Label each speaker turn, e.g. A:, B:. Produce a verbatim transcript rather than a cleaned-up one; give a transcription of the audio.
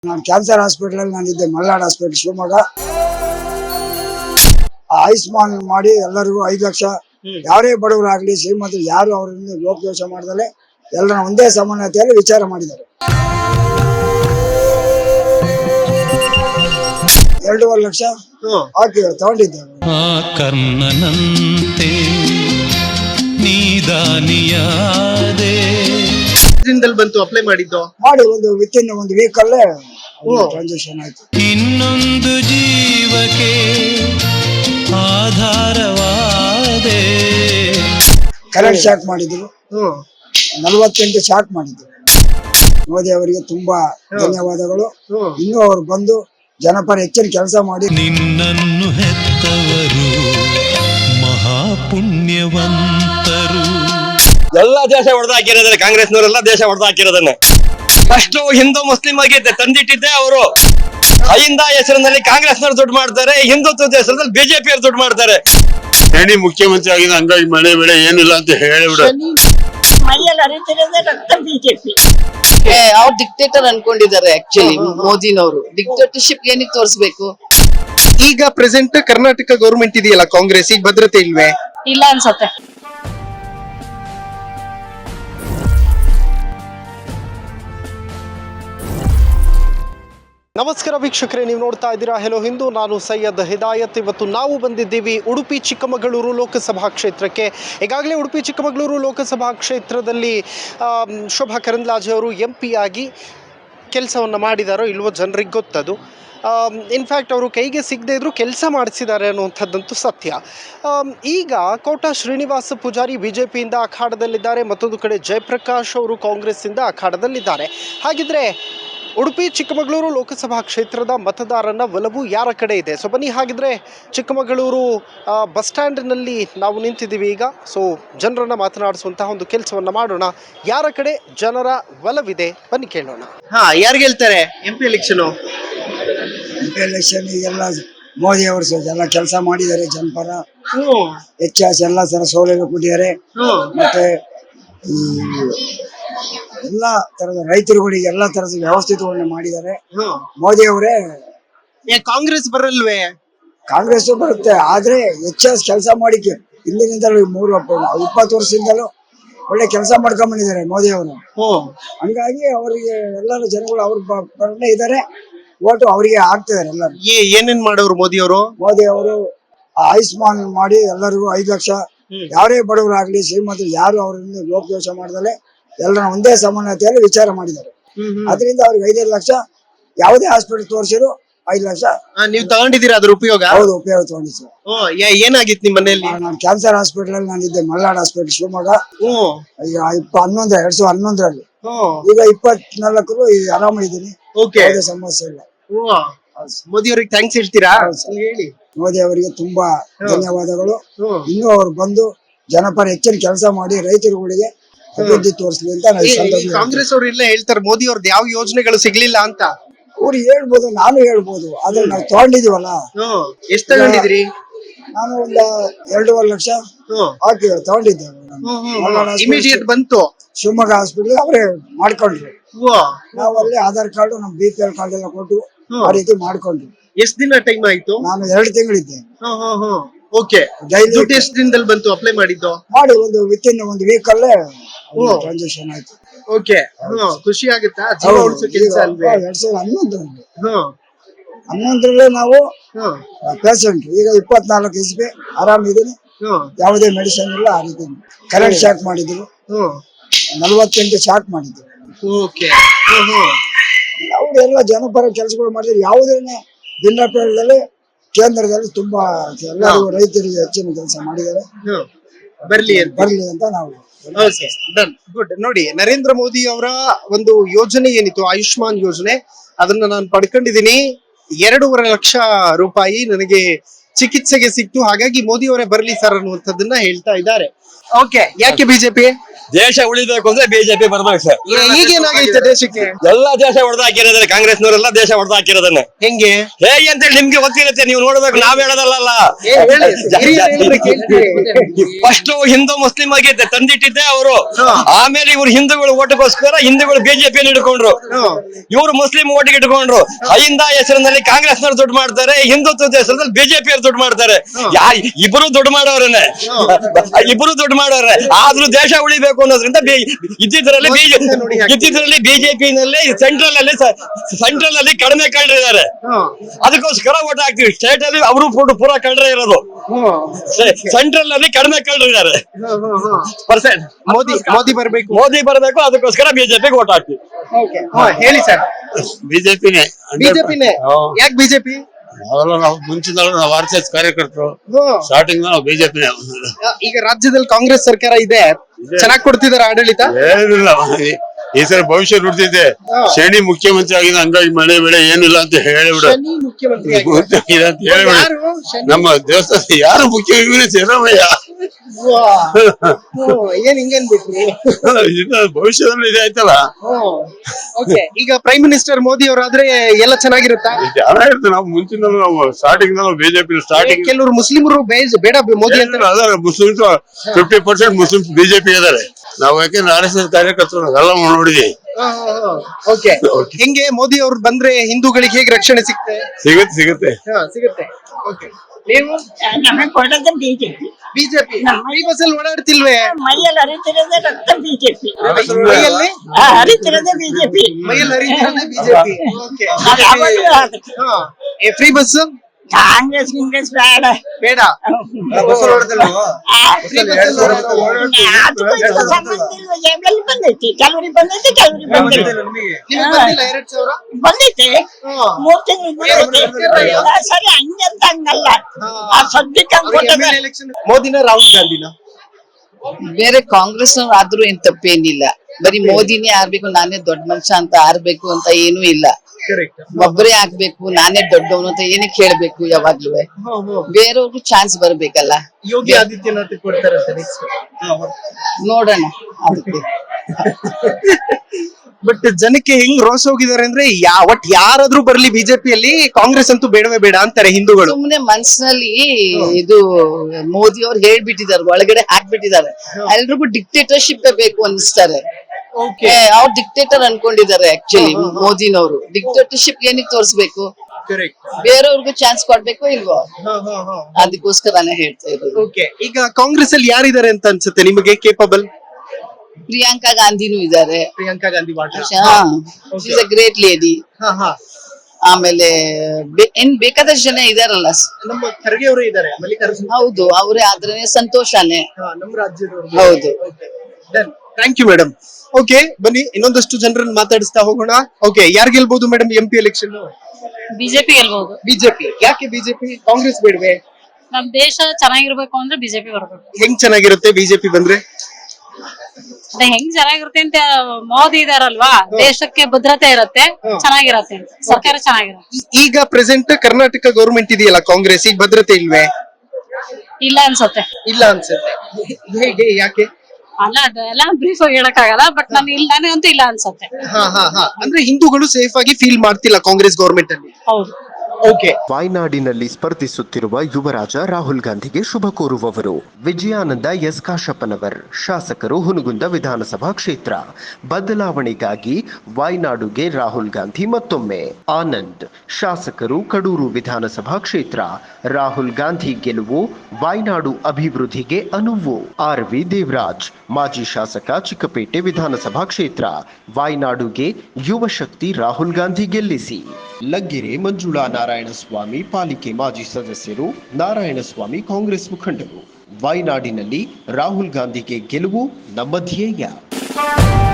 A: ನಾನು cancer hospital ಅಲ್ಲಿ ನಾನಿದ್ದೆ, ಮಲ್ನಾಡ್ ಹಾಸ್ಪಿಟಲ್ ಶಿವಮೊಗ್ಗ. ಆಯುಷ್ಮಾನ್ ಮಾಡಿ ಎಲ್ಲರಿಗೂ ಐದು ಲಕ್ಷ, ಯಾರೇ ಬಡವರಾಗ್ಲಿ ಶ್ರೀಮಂತರು ಯಾರು ಅವರಿಂದ ಲೋಪದೋಷ ಮಾಡ್ದಲೆ ಎಲ್ಲರ ಒಂದೇ ಸಮಾನತೆಯಲ್ಲಿ ವಿಚಾರ ಮಾಡಿದ್ದಾರೆ. ಎರಡೂವರೆ ಲಕ್ಷ ಹಾಕಿ ತಗೊಂಡಿದ್ದಾರೆ.
B: ಬಂತು ಅಪ್ಲೈ ಮಾಡಿದ್ದು
A: ಮಾಡಿ ಒಂದು ವಿತ್ ಇನ್ ಒಂದು ವೀಕ್ ಅಲ್ಲೇ ಟ್ರಾನ್ಸಾಕ್ಷನ್ ಆಯ್ತು.
C: ಇನ್ನೊಂದು ಜೀವಕ್ಕೆ ಆಧಾರವಾದೆ.
A: ಕರೆಂಟ್ ಶಾಕ್ ಮಾಡಿದ್ರು, ನಲವತ್ತೆಂಟು ಶಾಕ್ ಮಾಡಿದ್ರು. ಮೋದಿ ಅವರಿಗೆ ತುಂಬಾ ಧನ್ಯವಾದಗಳು. ಇನ್ನೂ ಅವರು ಬಂದು ಜನಪರ ಹೆಚ್ಚಿನ ಕೆಲಸ ಮಾಡಿ.
C: ನಿನ್ನನ್ನು ಹೆತ್ತವರು ಮಹಾಪುಣ್ಯವಂತರು.
D: ಎಲ್ಲ ದೇಶ ಹೊಡೆದು ಹಾಕಿರೋದನ್ನ, ಕಾಂಗ್ರೆಸ್ನವರೆಲ್ಲ ದೇಶ ಹೊಡೆದು ಹಾಕಿರೋದನ್ನ. ಫಸ್ಟ್ ಹಿಂದೂ ಮುಸ್ಲಿಂ ಆಗಿ ತಂದಿಟ್ಟಿದ್ದೆ ಅವರು. ಅಹಿಂದ ಹೆಸರಿನಲ್ಲಿ ಕಾಂಗ್ರೆಸ್ನವ್ರು ದುಡ್ಡು ಮಾಡ್ತಾರೆ, ಹಿಂದುತ್ವದ ಹೆಸರಿನಲ್ಲಿ ಬಿಜೆಪಿ ಅವ್ರು ದುಡ್ಡು ಮಾಡ್ತಾರೆ.
E: ಹೇಳಿ ಮುಖ್ಯಮಂತ್ರಿ ಆಗಿದೆ, ಹಂಗಾಗಿ ಮಳೆ ಬೆಳೆ ಏನಿಲ್ಲ ಅಂತ ಹೇಳಿಬಿಡ.
F: ಬಿಜೆಪಿ ಅವ್ರು ಡಿಕ್ಟೇಟರ್ ಅನ್ಕೊಂಡಿದ್ದಾರೆ. ಆಕ್ಚುಲಿ ಮೋದಿನವರು ಡಿಕ್ಟೇಟರ್ಶಿಪ್ ಏನಕ್ಕೆ ತೋರಿಸ್ಬೇಕು?
B: ಈಗ ಪ್ರೆಸೆಂಟ್ ಕರ್ನಾಟಕ ಗೌರ್ಮೆಂಟ್ ಇದೆಯಲ್ಲ ಕಾಂಗ್ರೆಸ್, ಈಗ ಭದ್ರತೆ ಇಲ್ವೇ?
F: ಇಲ್ಲ ಅನ್ಸತ್ತೆ.
B: ನಮಸ್ಕಾರ ವೀಕ್ಷಕರೇ, ನೀವು ನೋಡ್ತಾ ಇದ್ದೀರಾ ಹೆಲೋ ಹಿಂದೂ. ನಾನು ಸೈಯದ್ ಹಿದಾಯತ್. ಇವತ್ತು ನಾವು ಬಂದಿದ್ದೀವಿ ಉಡುಪಿ ಚಿಕ್ಕಮಗಳೂರು ಲೋಕಸಭಾ ಕ್ಷೇತ್ರಕ್ಕೆ. ಈಗಾಗಲೇ ಉಡುಪಿ ಚಿಕ್ಕಮಗಳೂರು ಲೋಕಸಭಾ ಕ್ಷೇತ್ರದಲ್ಲಿ ಶೋಭಾ ಕರಂದ್ಲಾಜೆ ಅವರು ಎಂ ಪಿ ಆಗಿ ಕೆಲಸವನ್ನು ಮಾಡಿದಾರೋ ಇಲ್ವೋ ಜನರಿಗೆ ಗೊತ್ತದು. ಇನ್ಫ್ಯಾಕ್ಟ್ ಅವರು ಕೈಗೆ ಸಿಗದೇ ಇದ್ರೂ ಕೆಲಸ ಮಾಡಿಸಿದ್ದಾರೆ ಅನ್ನುವಂಥದ್ದಂತೂ ಸತ್ಯ. ಈಗ ಕೋಟಾ ಶ್ರೀನಿವಾಸ ಪೂಜಾರಿ ಬಿ ಜೆ ಪಿಯಿಂದ ಅಖಾಡದಲ್ಲಿದ್ದಾರೆ, ಮತ್ತೊಂದು ಕಡೆ ಜಯಪ್ರಕಾಶ್ ಅವರು ಕಾಂಗ್ರೆಸ್ಸಿಂದ ಅಖಾಡದಲ್ಲಿದ್ದಾರೆ. ಹಾಗಿದ್ರೆ ಉಡುಪಿ ಚಿಕ್ಕಮಗಳೂರು ಲೋಕಸಭಾ ಕ್ಷೇತ್ರದ ಮತದಾರನ ಒಲವು ಯಾರ ಕಡೆ ಇದೆ? ಸೊ ಬನ್ನಿ, ಹಾಗಿದ್ರೆ ಚಿಕ್ಕಮಗಳೂರು ಬಸ್ ಸ್ಟ್ಯಾಂಡ್ನಲ್ಲಿ ನಾವು ನಿಂತಿದ್ದೀವಿ ಈಗ. ಸೊ ಜನರನ್ನ ಮಾತನಾಡಿಸುವಂತಹ ಒಂದು ಕೆಲಸವನ್ನ ಮಾಡೋಣ. ಯಾರ ಕಡೆ ಜನರ ಒಲವಿದೆ ಬನ್ನಿ ಕೇಳೋಣ. ಹಾ, ಯಾರು ಗೆಲ್ತಾರೆ M P election?
A: M P election ಎಲ್ಲ ಮೋದಿ ಅವರು ಎಲ್ಲ ಕೆಲಸ ಮಾಡಿದ್ದಾರೆ. ಜನಪರ ಹೆಚ್ಚು ಎಲ್ಲ ತರ ಸೌಲಭ್ಯ ಕೊಟ್ಟಿದ್ದಾರೆ. ಮತ್ತೆ ಈ ಎಲ್ಲಾ ತರದ ರೈತರುಗಳಿಗೆ ಎಲ್ಲಾ ತರದ ವ್ಯವಸ್ಥಿತಗಳನ್ನ ಮಾಡಿದ್ದಾರೆ ಮೋದಿ ಅವರೇ.
B: ಕಾಂಗ್ರೆಸ್ ಬರಲ್ವೇ?
A: ಕಾಂಗ್ರೆಸ್ ಬರುತ್ತೆ, ಆದ್ರೆ ಹೆಚ್ಚಾಗಿ ಕೆಲಸ ಮಾಡಿ ಹಿಂದಿನಿಂದಲೂ ಮೂರು ಇಪ್ಪತ್ತು ವರ್ಷದಿಂದಲೂ ಒಳ್ಳೆ ಕೆಲಸ ಮಾಡ್ಕೊಂಡ್ ಬಂದಿದ್ದಾರೆ ಮೋದಿ ಅವರು. ಹಂಗಾಗಿ ಅವರಿಗೆ ಎಲ್ಲರೂ ಜನಗಳು ಅವ್ರ ಬರನೇ ಇದ್ದಾರೆ, ಓಟು ಅವರಿಗೆ ಹಾಕ್ತಿದ್ದಾರೆ ಎಲ್ಲರೂ.
B: ಏನೇನ್ ಮಾಡೋರು ಮೋದಿ ಅವರು?
A: ಮೋದಿ ಅವರು ಆಯುಷ್ಮಾನ್ ಮಾಡಿ ಎಲ್ಲರಿಗೂ ಐದು ಲಕ್ಷ, ಯಾರೇ ಬಡವರಾಗ್ಲಿ ಶ್ರೀಮಂತರು ಯಾರು ಅವರಿಂದ ಲೋಪದೋಷ ಮಾಡ್ದಲೆ ಎಲ್ಲರ ಒಂದೇ ಸಮಾನತೆಯಲ್ಲಿ ವಿಚಾರ ಮಾಡಿದ್ದಾರೆ. ಅದರಿಂದ ಅವ್ರಿಗೆ ಐದೈದು ಲಕ್ಷ, ಯಾವುದೇ ಹಾಸ್ಪಿಟಲ್ ತೋರಿಸಿದ್ರು ಐದು ಲಕ್ಷ.
B: ನೀವು ತಗೊಂಡಿದ್ದೀರಾ ಅದ್ರ ಉಪಯೋಗ?
A: ಹೌದು, ಉಪಯೋಗ ತಗೊಂಡಿದ್ದೆ.
B: ಏನಾಗಿತ್ತು ನಿಮ್ಮ ಮನೆಯಲ್ಲಿ?
A: ನಾನು ಕ್ಯಾನ್ಸರ್ ಹಾಸ್ಪಿಟಲ್ ಅಲ್ಲಿ ನಾನಿದ್ದೆ, ಮಲ್ನಾಡ್ ಹಾಸ್ಪಿಟಲ್ ಶಿವಮೊಗ್ಗ. ಈಗ ಇಪ್ಪ ಹನ್ನೊಂದ್ರ ಎರಡ್ ಸಾವಿರದ ಹನ್ನೊಂದರಲ್ಲಿ, ಈಗ ಇಪ್ಪತ್ನಾಲ್ಕರು ಆರಾಮ ಇದ್ದೀನಿ, ಯಾವುದೇ ಸಮಸ್ಯೆ ಇಲ್ಲ.
B: ಮೋದಿ ಅವ್ರಿಗೆ ಥ್ಯಾಂಕ್ಸ್ ಹೇಳ್ತೀರಾ? ಹೇಳಿ.
A: ಮೋದಿ ಅವರಿಗೆ ತುಂಬಾ ಧನ್ಯವಾದಗಳು. ಇನ್ನೂ ಅವರು ಬಂದು ಜನಪರ ಹೆಚ್ಚಿನ ಕೆಲಸ ಮಾಡಿ ರೈತರುಗಳಿಗೆ ಅಭಿವೃದ್ಧಿ ತೋರಿಸ್ಲಿ ಅಂತ.
B: ಕಾಂಗ್ರೆಸ್ ಅವರು ಇಲ್ಲ ಹೇಳ್ತಾರೆ ಮೋದಿ ಅವ್ರದ್ದು ಯಾವ ಯೋಜನೆಗಳು ಸಿಗ್ಲಿಲ್ಲ ಅಂತ.
A: ಅವ್ರು ಹೇಳ್ಬೋದು, ನಾನು ಹೇಳ್ಬೋದು, ಆದ್ರೆ ನಾವು ತಗೊಂಡಿದೀವಲ್ಲ.
B: ಎಷ್ಟು ತಗೊಂಡಿದ್ರಿ?
A: ನಾನು ಒಂದ ಎರಡೂವರೆ ಲಕ್ಷ ಹಾಕಿ ತಗೊಂಡಿದ್ದೆ.
B: ಇಮಿಡಿಯೇಟ್ ಬಂತು
A: ಶಿವಮೊಗ್ಗ ಹಾಸ್ಪಿಟಲ್ ಅವರೇ ಮಾಡ್ಕೊಂಡ್ರು. ನಾವು ಅಲ್ಲಿ ಆಧಾರ್ ಕಾರ್ಡ್, ನಮ್ ಬಿ ಪಿ ಎಲ್ ಕಾರ್ಡ್ ಎಲ್ಲ ಕೊಟ್ಟು ಆ ರೀತಿ ಮಾಡ್ಕೊಂಡ್ರು.
B: ಎಷ್ಟ್ ದಿನ ಟೈಮ್ ಆಯ್ತು?
A: ನಾನು ಎರಡು ತಿಂಗಳಿದ್ದೆ.
B: ಓಕೆ, ಎಷ್ಟು ದಿನದಲ್ಲಿ ಬಂತು ಅಪ್ಲೈ ಮಾಡಿದ್ದು?
A: ಮಾಡಿ ಒಂದು ವಿತ್ ಇನ್ ಒಂದು ವೀಕ್ ಅಲ್ಲೇ ಟ್ರಾನ್ಸಾಕ್ಷನ್ ಆಯ್ತು.
B: ಓಕೆ, ಖುಷಿ ಆಗುತ್ತಾ? ಜೀವ ಉಳಿಸೋ ಕೆಲಸ ಅಲ್ವೇ?
A: ಎರಡ್ ಸಾವಿರದ ಹನ್ನೊಂದರಲ್ಲಿ ಹನ್ನೊಂದರಲ್ಲೇ ನಾವು ಪೇಷಂಟ್, ಈಗ ಇಪ್ಪತ್ನಾಲ್ಕು ಇಸ್ಬಿ ಆರಾಮಿದ್ದೀನಿ, ಯಾವುದೇ ಮೆಡಿಸಿನ್ ಇಲ್ಲ. ಆ ರೀತಿ ಕರೆಂಟ್ ಶಾಕ್ ಮಾಡಿದ್ರು, ನಲವತ್ತೆಂಟು ಶಾಕ್ ಮಾಡಿದ್ರು.
B: ಓಕೆ,
A: ಅವ್ರು ಎಲ್ಲ ಜನಪರ ಕೆಲಸಗಳು ಮಾಡಿದ್ರು. ಯಾವುದೇ ಭಿನ್ನಪ್ರಾಯದಲ್ಲಿ ಕೇಂದ್ರದಲ್ಲಿ ತುಂಬಾ ಎಲ್ಲರಿಗೂ ರೈತರಿಗೆ ಹೆಚ್ಚಿನ ಕೆಲಸ ಮಾಡಿದ್ದಾರೆ.
B: ಬರ್ಲಿ
A: ಬರ್ಲಿ ಅಂತ ನಾವು
B: ಗುಡ್. ನೋಡಿ, ನರೇಂದ್ರ ಮೋದಿ ಅವರ ಒಂದು ಯೋಜನೆ ಏನಿತ್ತು, ಆಯುಷ್ಮಾನ್ ಯೋಜನೆ, ಅದನ್ನ ನಾನು ಪಡ್ಕೊಂಡಿದ್ದೀನಿ. ಎರಡೂವರೆ ಲಕ್ಷ ರೂಪಾಯಿ ನನಗೆ ಚಿಕಿತ್ಸೆಗೆ ಸಿಕ್ತು, ಹಾಗಾಗಿ ಮೋದಿ ಅವರೇ ಬರ್ಲಿ ಸರ್ ಅನ್ನುವಂಥದ್ದನ್ನ ಹೇಳ್ತಾ ಇದ್ದಾರೆ. ಓಕೆ, ಯಾಕೆ ಬಿಜೆಪಿ?
D: ದೇಶ ಉಳಿಬೇಕು ಅಂದ್ರೆ ಬಿಜೆಪಿ ಬರ್ಬೇಕು ಸರ್.
B: ಈಗೇನಾಗೈತೆ ದೇಶಕ್ಕೆ?
D: ಎಲ್ಲಾ ದೇಶ ಹೊಡೆದು ಹಾಕಿರೋದನ್ನ ಕಾಂಗ್ರೆಸ್ನವರೆಲ್ಲ ದೇಶ ಹೊಡೆದು ಹಾಕಿರೋದನ್ನ
B: ಹೆಂಗೆ
D: ಹೇಗೆ ಅಂತೇಳಿ ನಿಮ್ಗೆ ಗೊತ್ತಿರುತ್ತೆ, ನೀವು ನೋಡ್ಬೇಕು, ನಾವ್ ಹೇಳೋದಲ್ಲ.
B: ಏ, ಹೇಳಿ, ಹಿರಿಯರು ಹೇಳಿದ್ರೆ ಕೇಳ್ತೀವಿ.
D: ಫಸ್ಟ್ ಹಿಂದೂ ಮುಸ್ಲಿಂ ಆಗಿ ತಂದಿಟ್ಟಿದ್ದೆ ಅವರು. ಆಮೇಲೆ ಇವ್ರು ಹಿಂದೂಗಳು ಓಟ್ಗೋಸ್ಕರ ಹಿಂದೂಗಳು ಬಿಜೆಪಿ ಹಿಡ್ಕೊಂಡ್ರು, ಇವ್ರು ಮುಸ್ಲಿಂ ಓಟಿಗೆ ಇಟ್ಕೊಂಡ್ರು. ಅಹಿಂದ ಹೆಸರಿನಲ್ಲಿ ಕಾಂಗ್ರೆಸ್ನವ್ರು ದುಡ್ಡು ಮಾಡ್ತಾರೆ, ಹಿಂದುತ್ವದ ಹೆಸರಿನಲ್ಲಿ ಬಿಜೆಪಿ ಅವ್ರು ದುಡ್ಡು ಮಾಡ್ತಾರೆ. ಯಾ ಇಬ್ರು ದುಡ್ಡು ಮಾಡೋರನ್ನೇ, ಇಬ್ರು ದುಡ್ಡು ಮಾಡೋರೆ. ಆದ್ರೂ ದೇಶ ಉಳಿಬೇಕು ಅನ್ನೋದ್ರಿಂದ ಇದ್ದಿದ್ರಲ್ಲಿ ಇದ್ದಿದ್ರಲ್ಲಿ ಬಿಜೆಪಿನಲ್ಲಿ ಸೆಂಟ್ರಲ್ ಅಲ್ಲಿ ಸೆಂಟ್ರಲ್ ಅಲ್ಲಿ ಕಡಿಮೆ ಕಳ್ಳರಿದ್ದಾರೆ, ಅದಕ್ಕೋಸ್ಕರ ಓಟ್ ಹಾಕ್ತಿವಿ. ಸ್ಟೇಟ್ ಅಲ್ಲಿ ಅವರು ಪೂರಾ ಕಳ್ಳರೇ ಇರೋದು, ಸೆಂಟ್ರಲ್ ಅಲ್ಲಿ ಕಡಿಮೆ ಕಳ್ಳರಿದ್ದಾರೆ. ಪರ್ಸೆಂಟ್
B: ಮೋದಿ ಮೋದಿ ಬರ್ಬೇಕು,
D: ಮೋದಿ ಬರಬೇಕು, ಅದಕ್ಕೋಸ್ಕರ ಬಿಜೆಪಿಗೆ ಓಟ್ ಹಾಕ್ತಿವಿ.
B: ಹೇಳಿ ಸರ್.
E: ಬಿಜೆಪಿನೇ
B: ಬಿಜೆಪಿನೇ ಯಾಕೆ ಬಿಜೆಪಿ?
E: ಅವೆಲ್ಲ ನಾವು ಮುಂಚಿನ ನಾವು ಆರ್ ಎಸ್ ಎಸ್ ಕಾರ್ಯಕರ್ತರು, ಸ್ಟಾರ್ಟಿಂಗ್ ನಾವು ಬಿಜೆಪಿನೇ.
B: ಈಗ ರಾಜ್ಯದಲ್ಲಿ ಕಾಂಗ್ರೆಸ್ ಸರ್ಕಾರ ಇದೆ, ಚೆನ್ನಾಗಿ ಕೊಡ್ತಿದಾರ ಆಡಳಿತ?
E: ಏನಿಲ್ಲ, ಈ ಸಲ ಭವಿಷ್ಯ ನುಡ್ತಿದ್ದೆ. ಶನಿ ಮುಖ್ಯಮಂತ್ರಿ ಆಗಿದೆ, ಹಂಗಾಗಿ ಮಳೆ ಬೆಳೆ ಏನಿಲ್ಲ ಅಂತ ಹೇಳಿಬಿಡ
B: ಮುಖ್ಯಮಂತ್ರಿ
E: ಅಂತ ಹೇಳಿಬಿಡ. ನಮ್ಮ ದೇವಸ್ಥಾನ ಯಾರು ಮುಖ್ಯ? ಇವನೇ ಸಿದ್ದರಾಮಯ್ಯ.
B: ಏನ್ ಹಿಂಗೇನ್ ಬಿಟ್ರಿ?
E: ಭವಿಷ್ಯದಲ್ಲಿ ಇದೆ ಆಯ್ತಲ್ಲ.
B: ಈಗ ಪ್ರೈಮ್ ಮಿನಿಸ್ಟರ್ ಮೋದಿ ಅವರಾದ್ರೆ ಎಲ್ಲ ಚೆನ್ನಾಗಿರುತ್ತಾ?
E: ಚೆನ್ನಾಗಿರುತ್ತೆ. ನಾವು ಮುಂಚಿನ ನಾವು ಸ್ಟಾರ್ಟಿಂಗ್ ನಾವು ಬಿಜೆಪಿ ಸ್ಟಾರ್ಟಿಂಗ್
B: ಕೆಲವರು ಮುಸ್ಲಿಮರು ಬೇಡ ಮೋದಿ ಅಂತ
E: ಅದಾರೆ. Muslims fifty percent Muslims BJP ಇದಾರೆ. ನಾವು ಯಾಕೆಂದ್ರೆ ಆರ್ ಎಸ್ ಎಸ್ ಕಾರ್ಯಕರ್ತರು ನಾವೆಲ್ಲ ನೋಡಿದ್ವಿ.
B: ಓಕೆ, ಹೆಂಗೆ ಮೋದಿ ಅವ್ರು ಬಂದ್ರೆ ಹಿಂದೂಗಳಿಗೆ ಹೇಗೆ ರಕ್ಷಣೆ ಸಿಗುತ್ತೆ?
E: ಸಿಗುತ್ತೆ ಸಿಗುತ್ತೆ
B: ಸಿಗುತ್ತೆ. ಓಕೆ, ನೀವು
G: ನಮಗೆ ಕೊಡೋದು ಬಿಜೆಪಿ.
B: ಬಿಜೆಪಿ ಈ ಬಸ್ಸಲ್ಲಿ ಓಡಾಡ್ತಿಲ್ವೇ?
G: ಮೈಯಲ್ಲಿ ಹರಿತಿರೋದೇ ರಕ್ತ ಬಿಜೆಪಿ,
B: ಮೈಯಲ್ಲಿ
G: ಹರಿತಿರೋದೇ ಬಿಜೆಪಿ,
B: ಮೈಯಲ್ಲಿ ಹರಿತಿರೋದೇ BJP. Okay, free bus
G: Congress ಗಿಂಗ್ರೆಸ್ ಬೇಡ
B: ಬೇಡ.
G: ಎಲ್ಲಿ ಬಂದೈತಿ? ಕೆಲವರಿಗೆ ಬಂದೈತಿ, ಕೆಲವರಿಗೆ ಬಂದೈತಿ.
B: ಎರಡ್ ಸಾವಿರ
G: ಬಂದೈತಿ, ಮೂರ್ ತಿಂಗಳು ಬಂದೈತಿ. ಸರಿ, ಹಂಗಂತ ಹಂಗಲ್ಲ. ಆ ಸದ್ಯಕ್ಕೆ ಹಂಗ್
B: ಎಲೆಕ್ಷನ್ ಮೋದಿನ ರಾಹುಲ್ ಗಾಂಧಿನ
F: ಬೇರೆ ಕಾಂಗ್ರೆಸ್ ಆದ್ರೂ ಏನ್ ತಪ್ಪೇನಿಲ್ಲ. ಬರೀ ಮೋದಿನೇ ಆಗ್ಬೇಕು, ನಾನೇ ದೊಡ್ಡ ಮನುಷ್ಯ ಅಂತ ಆರ್ಬೇಕು ಅಂತ ಏನೂ ಇಲ್ಲ. ಒಬ್ಬರೇ ಆಗ್ಬೇಕು, ನಾನೇ ದೊಡ್ಡವನು ಅಂತ ಏನಕ್ಕೆ ಹೇಳ್ಬೇಕು? ಯಾವಾಗ್ಲೂ ಬೇರೆಯವ್ರಿಗೂ ಚಾನ್ಸ್ ಬರ್ಬೇಕಲ್ಲ.
B: ಯೋಗಿ ಆದಿತ್ಯನಾಥ್ ಕೊಡ್ತಾರಂತೆ ನೆಕ್ಸ್ಟ್,
F: ನೋಡೋಣ ಅದಕ್ಕೆ.
B: ಬಟ್ ಜನಕ್ಕೆ ಹೆಂಗ್ ರೋಸ್ ಹೋಗಿದ್ದಾರೆ ಅಂದ್ರೆ, ಯಾ ಒಟ್ ಯಾರಾದ್ರೂ ಬರ್ಲಿ ಬಿಜೆಪಿಯಲ್ಲಿ, ಕಾಂಗ್ರೆಸ್ ಅಂತೂ ಬೇಡವೇ ಬೇಡ ಅಂತಾರೆ ಹಿಂದೂಗಳು.
F: ಸುಮ್ನೆ ಮನ್ಸಿನಲ್ಲಿ ಇದು ಮೋದಿ ಅವ್ರು ಹೇಳ್ಬಿಟ್ಟಿದ್ದಾರೆ, ಒಳಗಡೆ ಹಾಕ್ಬಿಟ್ಟಿದ್ದಾರೆ. ಎಲ್ರಿಗೂ ಡಿಕ್ಟೇಟರ್ಶಿಪ್ ಬೇಕು ಅನಿಸ್ತಾರೆ. ಅವ್ರು ಡಿಕ್ಟೇಟರ್ ಅನ್ಕೊಂಡಿದ್ದಾರೆ ಆಕ್ಚುಲಿ ಮೋದಿನವರು. ಡಿಕ್ಟೇಟರ್ಶಿಪ್ ಏನಕ್ಕೆ ತೋರಿಸ್ಬೇಕು? ಬೇರೆಯವ್ರಿಗೂ ಚಾನ್ಸ್ ಕೊಡ್ಬೇಕು ಇಲ್ವೋ? ಅದಕ್ಕೋಸ್ಕರನೇ ಹೇಳ್ತಾ ಇರೋದು.
B: ಈಗ ಕಾಂಗ್ರೆಸ್ ಅಲ್ಲಿ ಯಾರಿದ್ದಾರೆ ಅಂತ ಅನ್ಸುತ್ತೆ ನಿಮಗೆ ಕೇಪಬಲ್?
F: ಪ್ರಿಯಾಂಕಾ ಗಾಂಧಿನೂ ಇದ್ದಾರೆ.
B: Priyanka Gandhi
F: is a great lady. ಆಮೇಲೆ ಏನ್ ಬೇಕಾದಷ್ಟು ಜನ ಇದಾರಲ್ಲ.
B: ನಮ್ಮ ಖರ್ಗೆ ಅವರೇ ಇದ್ದಾರೆ, ಮಲ್ಲಿಕಾರ್ಜುನ್.
F: ಹೌದು, ಅವರೇ ಆದ್ರೆ ಸಂತೋಷನೇ.
B: ನಮ್ಮ ರಾಜ್ಯದವರು.
F: ಹೌದು.
B: Thank you madam. ಓಕೆ, ಬನ್ನಿ ಇನ್ನೊಂದಷ್ಟು ಜನರನ್ನ ಮಾತಾಡಿಸ್ತಾ ಹೋಗೋಣ. ಓಕೆ, ಯಾರು ಗೆಲ್ಬಹುದು madam M P election?
H: BJP ಗೆಲ್ಬಹುದು.
B: ಬಿಜೆಪಿ ಯಾಕೆ? ಬಿಜೆಪಿ ಕಾಂಗ್ರೆಸ್ ಬೇಡವೆ?
H: ನಮ್ ದೇಶ ಚೆನ್ನಾಗಿರ್ಬೇಕು ಅಂದ್ರೆ ಬಿಜೆಪಿ ಬರ್ಬೇಕು.
B: ಹೆಂಗ್ ಚೆನ್ನಾಗಿರುತ್ತೆ ಬಿಜೆಪಿ ಬಂದ್ರೆ?
H: ಅದೇ ಹೆಂಗ್ ಚೆನ್ನಾಗಿರುತ್ತೆ ಅಂತ ಮೋದಿ ಇದಾರಲ್ವಾ, ದೇಶಕ್ಕೆ ಭದ್ರತೆ ಇರುತ್ತೆ, ಚೆನ್ನಾಗಿರತ್ತೆ, ಸರ್ಕಾರ ಚೆನ್ನಾಗಿರುತ್ತೆ.
B: ಈಗ ಪ್ರೆಸೆಂಟ್ ಕರ್ನಾಟಕ ಗೌರ್ಮೆಂಟ್ ಇದೆಯಲ್ಲ ಕಾಂಗ್ರೆಸ್, ಈಗ ಭದ್ರತೆ ಇಲ್ವೇ?
H: ಇಲ್ಲ ಅನ್ಸತ್ತೆ.
B: ಇಲ್ಲ ಅನ್ಸುತ್ತೆ. ಹೇಗೆ? ಯಾಕೆ?
H: ಅಲ್ಲ, ಅದೆಲ್ಲ ಬ್ರೀಫ್ ಆಗಿ ಹೇಳಕ್ಕಾಗಲ್ಲ, ಬಟ್ ನಾನು ಇಲ್ಲ ಅಂತೂ ಇಲ್ಲ ಅನ್ಸತ್ತೆ.
B: ಹಾ ಹಾ ಹಾ ಅಂದ್ರೆ ಹಿಂದೂಗಳು ಸೇಫ್ ಆಗಿ ಫೀಲ್ ಮಾಡ್ತಿಲ್ಲ ಕಾಂಗ್ರೆಸ್ ಗೌರ್ಮೆಂಟ್ ಅಲ್ಲಿ.
H: ಹೌದು.
B: ಓಕೆ,
I: ವಾಯ್ನಾಡಿನಲ್ಲಿ ಸ್ಪರ್ಧಿಸುತ್ತಿರುವ ಯುವರಾಜ ರಾಹುಲ್ ಗಾಂಧಿಗೆ ಶುಭ ಕೋರುವವರು ವಿಜಯಾನಂದ ಎಸ್ ಕಾಶಪ್ಪನವರ್, ಶಾಸಕರು ಹುನಗುಂದ ವಿಧಾನಸಭಾ ಕ್ಷೇತ್ರ. ಬದಲಾವಣೆಗಾಗಿ ವಾಯ್ನಾಡುಗೆ ರಾಹುಲ್ ಗಾಂಧಿ ಮತ್ತೊಮ್ಮೆ. ಆನಂದ್, ಶಾಸಕರು ಕಡೂರು ವಿಧಾನಸಭಾ ಕ್ಷೇತ್ರ. ರಾಹುಲ್ ಗಾಂಧಿ ಗೆಲುವು ವಾಯ್ನಾಡು ಅಭಿವೃದ್ಧಿಗೆ ಅನುವು. ಆರ್ ವಿ ದೇವರಾಜ್, ಮಾಜಿ ಶಾಸಕ ಚಿಕ್ಕಪೇಟೆ ವಿಧಾನಸಭಾ ಕ್ಷೇತ್ರ. ವಾಯ್ನಾಡುಗೆ ಯುವ ಶಕ್ತಿ ರಾಹುಲ್ ಗಾಂಧಿ ಗೆಲ್ಲಿಸಿ. ಲಗ್ಗೆರೆ ಮಂಜುಳಾ ನಾರಾಯಣಸ್ವಾಮಿ, ಪಾಲಿಕೆ ಮಾಜಿ ಸದಸ್ಯರು. ನಾರಾಯಣಸ್ವಾಮಿ ಕಾಂಗ್ರೆಸ್ ಮುಖಂಡರು. ವಾಯ್ನಾಡಿನಲ್ಲಿ ರಾಹುಲ್ ಗಾಂಧಿಗೆ ಗೆಲುವು ನಮ್ಮ ಧ್ಯೇಯ.